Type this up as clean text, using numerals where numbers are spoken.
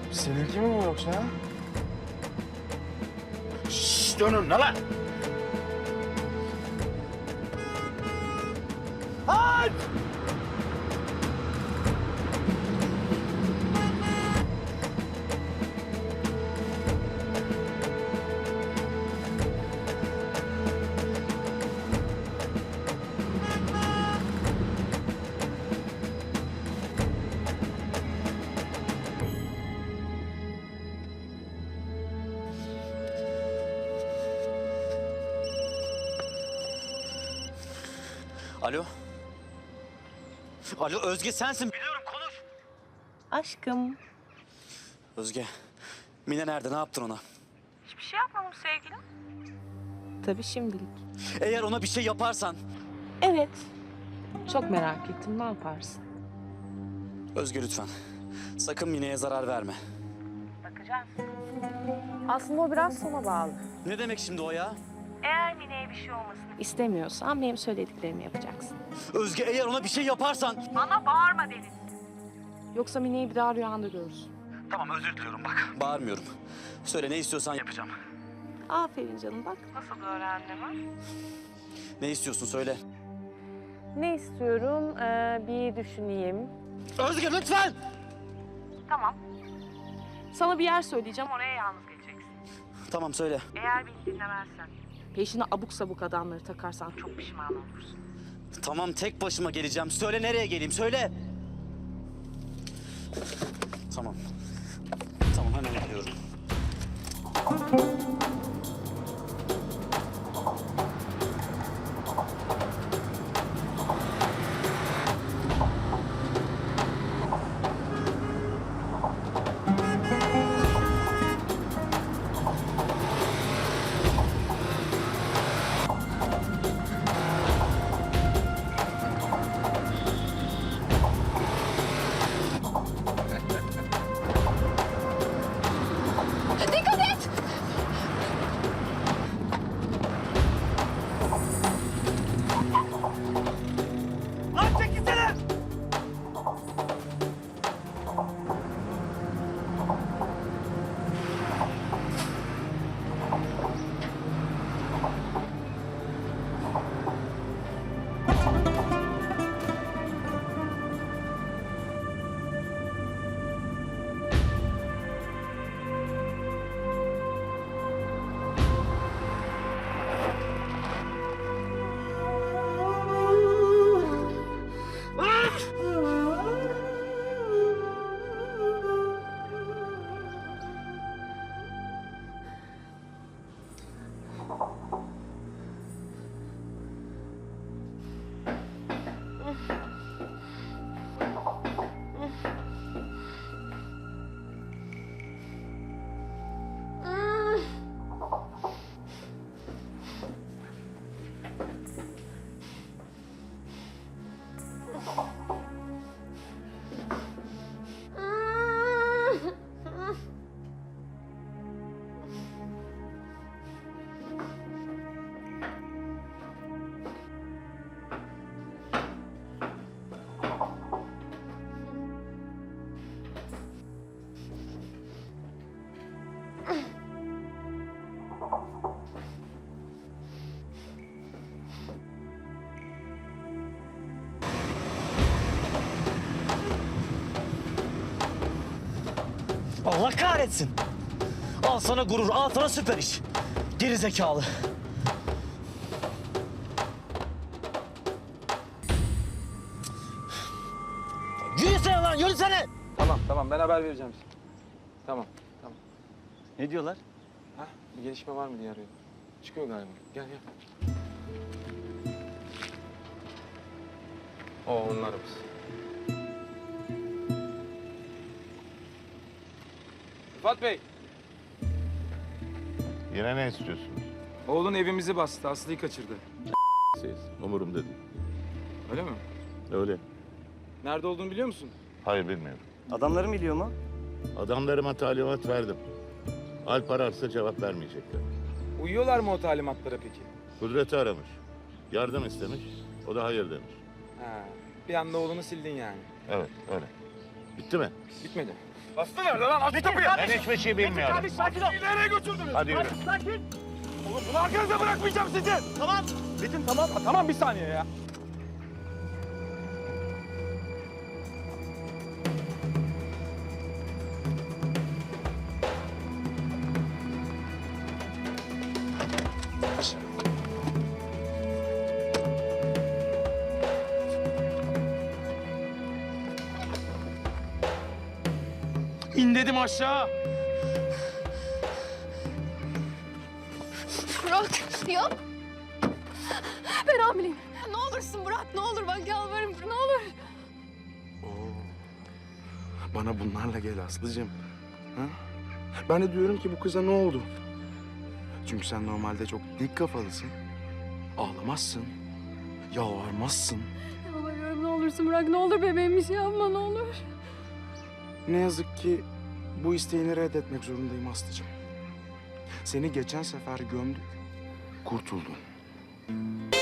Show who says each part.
Speaker 1: Seninki mi bu yoksa ha? Şşş dönün ne lan? Aç!
Speaker 2: Alo. Alo Özge sensin. Biliyorum konuş.
Speaker 3: Aşkım.
Speaker 2: Özge. Mine nerede? Ne yaptın ona?
Speaker 3: Hiçbir şey yapmadım sevgilim. Tabii şimdilik.
Speaker 2: Eğer ona bir şey yaparsan.
Speaker 3: Evet. Çok merak ettim. Ne yaparsın?
Speaker 2: Özge lütfen. Sakın Mine'ye zarar verme.
Speaker 3: Bakacağız. Aslında o biraz sana bağlı.
Speaker 2: Ne demek şimdi o ya?
Speaker 3: Eğer Mine'ye bir şey olmasını istemiyorsan benim söylediklerimi yapacaksın.
Speaker 2: Özge eğer ona bir şey yaparsan.
Speaker 3: Bana bağırma Deniz. Yoksa Mine'yi bir daha rüyanda görürsün.
Speaker 2: Tamam özür diliyorum bak. Bağırmıyorum. Söyle ne istiyorsan yapacağım.
Speaker 3: Aferin canım bak. Nasıl öğrendim ha?
Speaker 2: Ne istiyorsun söyle.
Speaker 3: Ne istiyorum? Bir düşüneyim.
Speaker 2: Özge lütfen.
Speaker 3: Tamam. Sana bir yer söyleyeceğim. Oraya yalnız geleceksin.
Speaker 2: Tamam söyle.
Speaker 3: Eğer beni dinlemezsen, peşine abuk sabuk adamları takarsan çok pişman olursun.
Speaker 2: Tamam tek başıma geleceğim. Söyle nereye geleyim söyle. Tamam. Tamam hemen geliyorum. Lan çekilsene! Allah kahretsin. Al sana gurur, al sana süper iş. Geri zekalı. Yürüsene lan, yürüsene.
Speaker 4: Tamam ben haber vereceğim size. Tamam.
Speaker 2: Ne diyorlar?
Speaker 4: Ha, bir gelişme var mı diye arıyor. Çıkıyor galiba. Gel. Onlarımız. Rıfat Bey,
Speaker 5: Yine ne istiyorsunuz?
Speaker 4: oğlun evimizi bastı. Aslı'yı kaçırdı.
Speaker 5: Siz, umurumda değil.
Speaker 4: Öyle mi?
Speaker 5: Öyle.
Speaker 4: Nerede olduğunu biliyor musun?
Speaker 5: Hayır bilmiyorum.
Speaker 2: Adamlarım biliyor mu?
Speaker 5: Adamlarıma talimat verdim. Alp ararsa cevap vermeyecekler.
Speaker 4: Uyuyorlar mı o talimatlara peki?
Speaker 5: Kudret'i aramış. Yardım istemiş. O da hayır demiş.
Speaker 4: Ha, bir anda oğlunu sildin yani.
Speaker 5: Evet öyle. Bitti mi?
Speaker 4: Bitmedi.
Speaker 1: Aslı nerede lan? Aç kapıyı.
Speaker 5: Ben hiçbir şey bilmiyorum.
Speaker 1: Sakin ol. Nereye götürdünüz?
Speaker 5: Hadi yürü.
Speaker 1: Sakin. Oğlum bunu arkanıza bırakmayacağım sizi. Tamam. Metin tamam. Tamam bir saniye ya. İn dedim aşağı.
Speaker 6: Burak, yok. Ben hamileyim. Ne olursun Burak, ne olur bak yalvarırım, ne olur.
Speaker 1: Bana bunlarla gel Aslı'cığım. Ha? Ben de diyorum ki bu kıza ne oldu? Çünkü sen normalde çok dik kafalısın. Ağlamazsın. Yalvarmazsın.
Speaker 6: Yalvarıyorum ne olursun Burak, ne olur bebeğim bir şey yapma ne olur.
Speaker 1: Ne yazık ki bu isteğini reddetmek zorundayım Aslı'cığım. Seni geçen sefer gömdük. Kurtuldun.